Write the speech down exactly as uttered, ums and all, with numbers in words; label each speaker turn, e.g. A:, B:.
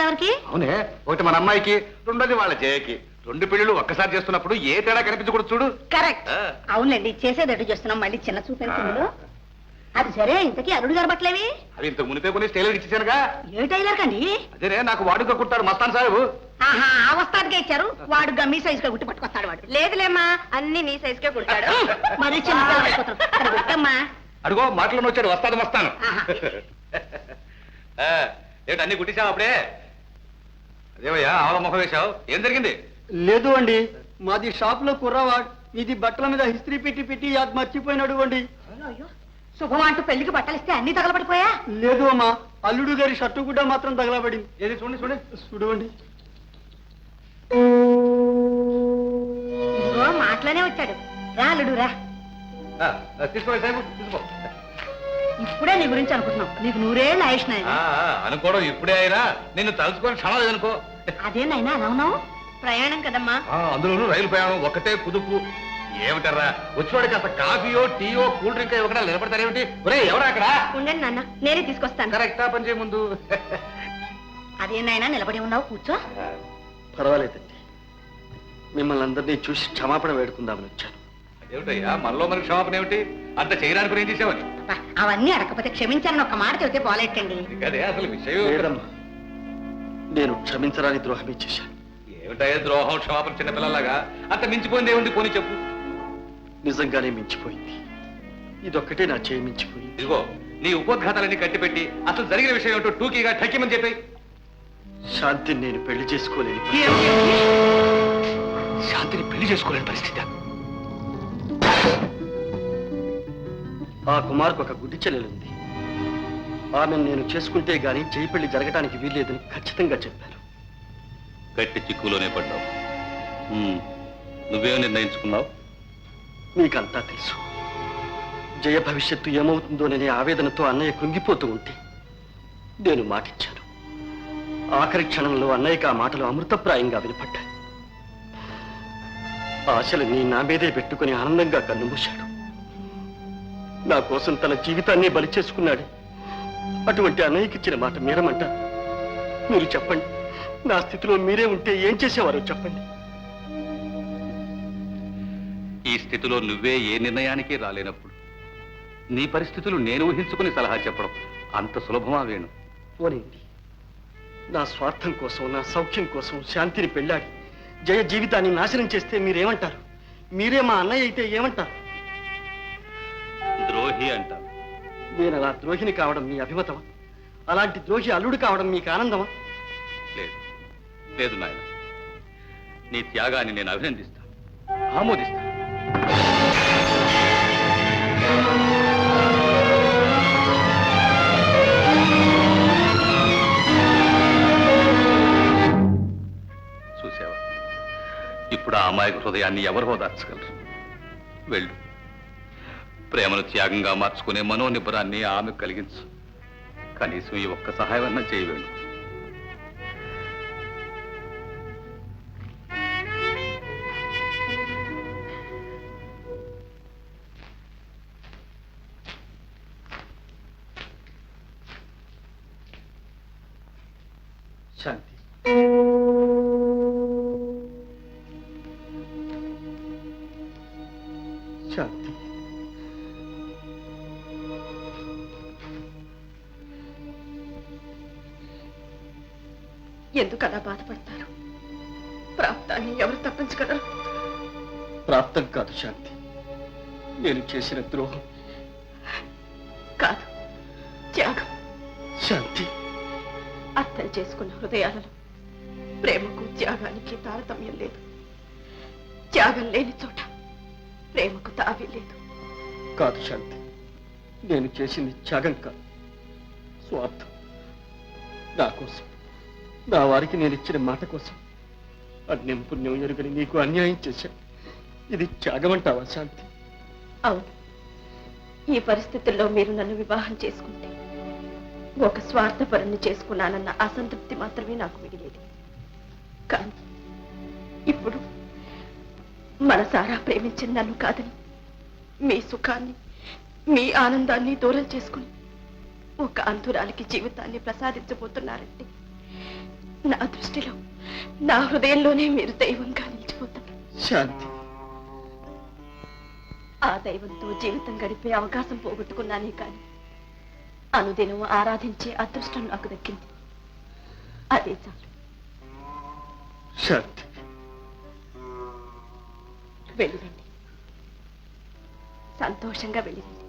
A: ఎవరికి?
B: అవునే, ఒకటి మన అమ్మాయికి, రెండోది వాళ్ళ జయకి. రెండు పెళ్లిళ్ళు ఒక్కసారి చేస్తున్నప్పుడు ఏ తేడా కనిపించకూడదు చూడు.
A: కరెక్ట్. అవునండి, చేసేదట్టు చేస్తున్నాం. మళ్ళీ చిన్న చూపెళ్తుంది. అది సరే, ఇంతకీ అల్లుడు గారు బట్టలేవి?
B: అవి ఇంతకు మునిపే కొన్ని టైలర్ ఇచ్చేసానుగా.
A: ఏ టైలర్ కండి?
B: అదేనే, నాకు వాడుగా కుట్టాడు మస్తాన్ సాహెబు.
A: ఆహా, ఆ వస్తానికే ఇచ్చారు. వాడు మీ సైజ్ గా గుట్టి పట్టుకొస్తాడు. వాడు లేదులేమ్మా, అన్ని నీ సైజ్ కే కుడతాడు. మరి చిన్న
B: అడుగో మాటలను వచ్చాడు, వస్తాను వస్తాను. ఏంటి అన్ని కుట్టించావు అప్పుడే? అదేవయ్యా ఆవల ముఖం వేశావు, ఏం జరిగింది?
C: లేదు అండి, మాది షాప్ లో కుర్రవాడు ఇది బట్టల మీద హిస్త్రీ పెట్టి పెట్టి అది మర్చిపోయినాడు అండి.
A: శుభం అంటూ పెళ్లికి బట్టలు ఇస్తే అన్ని తగలబడిపోయా?
C: లేదు అమ్మా, అల్లుడు గారి షర్టు కూడా మాత్రం తగలబడింది.
B: ఏది చూడండి చూడండి
C: చూడండి.
A: ఇదిగో మాటలోనే వచ్చాడు. రా అల్లుడు రా.
B: తీసుకోండి సాహెబు, తీసుకో.
A: ఇప్పుడే నీ గురించి అనుకుంటున్నాం. నీకు నూరేళ్ళు ఆయుష్ నాయన.
B: అనుకోవడం ఇప్పుడే అయినా నిన్ను తలుచుకొని క్షణం లేదనుకో.
A: అదేనైనా అలా ఉన్నావు? ప్రయాణం కదమ్మా.
B: అందులోనూ రైలు ప్రయాణం, ఒక్కటే కుదుపు. ఏమిటర్రా వచ్చివాడికి అసలు కాఫీయో టీయో కూల్ డ్రింక్ ఇవ్వకుండా నిలబడతారేమిటి? ఒరే ఎవరా అక్కడ?
A: ఉండండి నాన్న, నేనే తీసుకొస్తాను.
B: కరెక్టా పని చేయ ముందు.
A: అదేనైనా నిలబడి ఉన్నావు, కూర్చో.
C: పర్వాలేదండి, మిమ్మల్ని అందరినీ చూసి క్షమాపణ వేడుకుందామని వచ్చాను.
B: ఏమిటయ్యా మనలో మనకి క్షమాపణ ఏమిటి? అంత చేయడానికి ఏం చేసావని?
A: అవన్నీ అడగకపోతే క్షమించాలని ఒక్క మాట చెబితే పోలేటండి.
B: అదే అసలు విషయం.
C: లేదమ్మా, నేను క్షమించరాని ద్రోహమే చేశాను.
B: ఏమిటయ్యా ద్రోహం, క్షమాపణ చిన్నపిల్లలాగా? అంత మించిపోయింది ఏముంది? పోనీ చెప్పు.
C: నిజంగానే మించిపోయింది. ఇదొక్కటే నా చేయి మించిపోయింది.
B: ఇదిగో నీ ఉపోద్ఘాతాలన్నీ కట్టిపెట్టి అసలు జరిగిన విషయం ఏమిటో టూకీగా ఠక్కిమని చెప్పి.
C: శాంతిని నేను పెళ్లి చేసుకోలేని
B: శాంతిని పెళ్లి చేసుకోలేని పరిస్థితి.
C: ఆ కుమార్కు ఒక గుడ్డి చెల్లెలుంది. ఆమెను నేను చేసుకుంటే గాని చేయి పెళ్లి జరగటానికి వీల్లేదని ఖచ్చితంగా చెప్పారు.
B: గట్టి చిక్కులోనే పడ్డావు. నువ్వేం నిర్ణయించుకున్నావు?
C: మీకంతా తెలుసు. జయ భవిష్యత్తు ఏమవుతుందోననే ఆవేదనతో అన్నయ్య కృంగిపోతూ ఉంటే నేను మాటిచ్చాను. ఆఖరి క్షణంలో అన్నయ్యకి ఆ మాటలు అమృతప్రాయంగా వినపడ్డాయి. ఆశలని నా మీదే పెట్టుకుని ఆనందంగా కన్నుమూశాడు. నా కోసం తన జీవితాన్ని బలి చేసుకున్నాడు. అటువంటి అన్నయ్యకిచ్చిన మాట మీరమంటారు? మీరు చెప్పండి, నా స్థితిలో మీరే ఉంటే ఏం చేసేవారో చెప్పండి.
B: ఈ స్థితిలో నువ్వే ఏ నిర్ణయానికి రాలేనప్పుడు నీ పరిస్థితులు నేను ఊహించుకుని సలహా చెప్పడం అంత సులభమా వేణు?
C: పోనండి, నా స్వార్థం కోసం, నా సౌఖ్యం కోసం శాంతిని పెళ్ళాడి జయ జీవితాన్ని నాశనం చేస్తే మీరేమంటారు? మీరే మా అన్నయ్య అయితే ఏమంటారు?
B: ద్రోహి అంటారు.
C: నేను అలా ద్రోహిని కావడం మీ అభిమతమా? అలాంటి ద్రోహి అల్లుడు కావడం మీకు ఆనందమా?
B: లేదు లేదు నాయన, నీ త్యాగాన్ని నేను అభినందిస్తాను, ఆమోదిస్తాను. చూసావా, ఇప్పుడు ఆ అమాయక హృదయాన్ని ఎవరు ఓదార్చగలరు? వెళ్ళు, ప్రేమను త్యాగంగా మార్చుకునే మనోనిబ్బరాన్ని ఆమె కలిగించు. కనీసం ఈ ఒక్క సహాయం అన్నా చేయవేణు.
C: శాంతి, శాంతి,
A: ఎందుకు అలా బాధపడతారు? ప్రాప్తాన్ని ఎవరు తప్పించగలరు?
C: ప్రాప్తం కాదు శాంతి, నేను చేసిన ద్రోహం.
A: కాదు, త్యాగం.
C: శాంతి,
A: అర్థం చేసుకున్న హృదయాలలో ప్రేమకు త్యాగానికి తారతమ్యం లేదు. త్యాగం లేని చోట ప్రేమకు తావి లేదు.
C: కాదు శాంతి, నేను చేసింది త్యాగం కాదు, స్వార్థం. నా కోసం, నా వారికి నేను ఇచ్చిన మాట కోసం అన్యం పుణ్యం ఎరుగని నీకు అన్యాయం చేశాను. ఇది త్యాగం అంటావా శాంతి?
A: అవును, ఈ పరిస్థితుల్లో మీరు నన్ను వివాహం చేసుకుంటే ఒక స్వార్థపరుణ్ణి చేసుకున్నానన్న అసంతృప్తి మాత్రమే నాకు మిగిలేది. కానీ ఇప్పుడు మనసారా ప్రేమించిన నన్ను కాదని మీ సుఖాన్ని, మీ ఆనందాన్ని దూరం చేసుకుని ఒక అంధురాలికి జీవితాన్ని ప్రసాదించబోతున్నారంటే నా దృష్టిలో నా హృదయంలోనే మీరు దైవంగా నిలిచిపోతారు.
C: శాంతి,
A: ఆ దైవంతో జీవితం గడిపే అవకాశం పోగొట్టుకున్నానే కానీ అనుదినం ఆరాధించే అదృష్టం నాకు దక్కింది. అదే చాలు.
C: శాంతి,
A: వెళ్ళిరండి, సంతోషంగా వెళ్ళిరండి.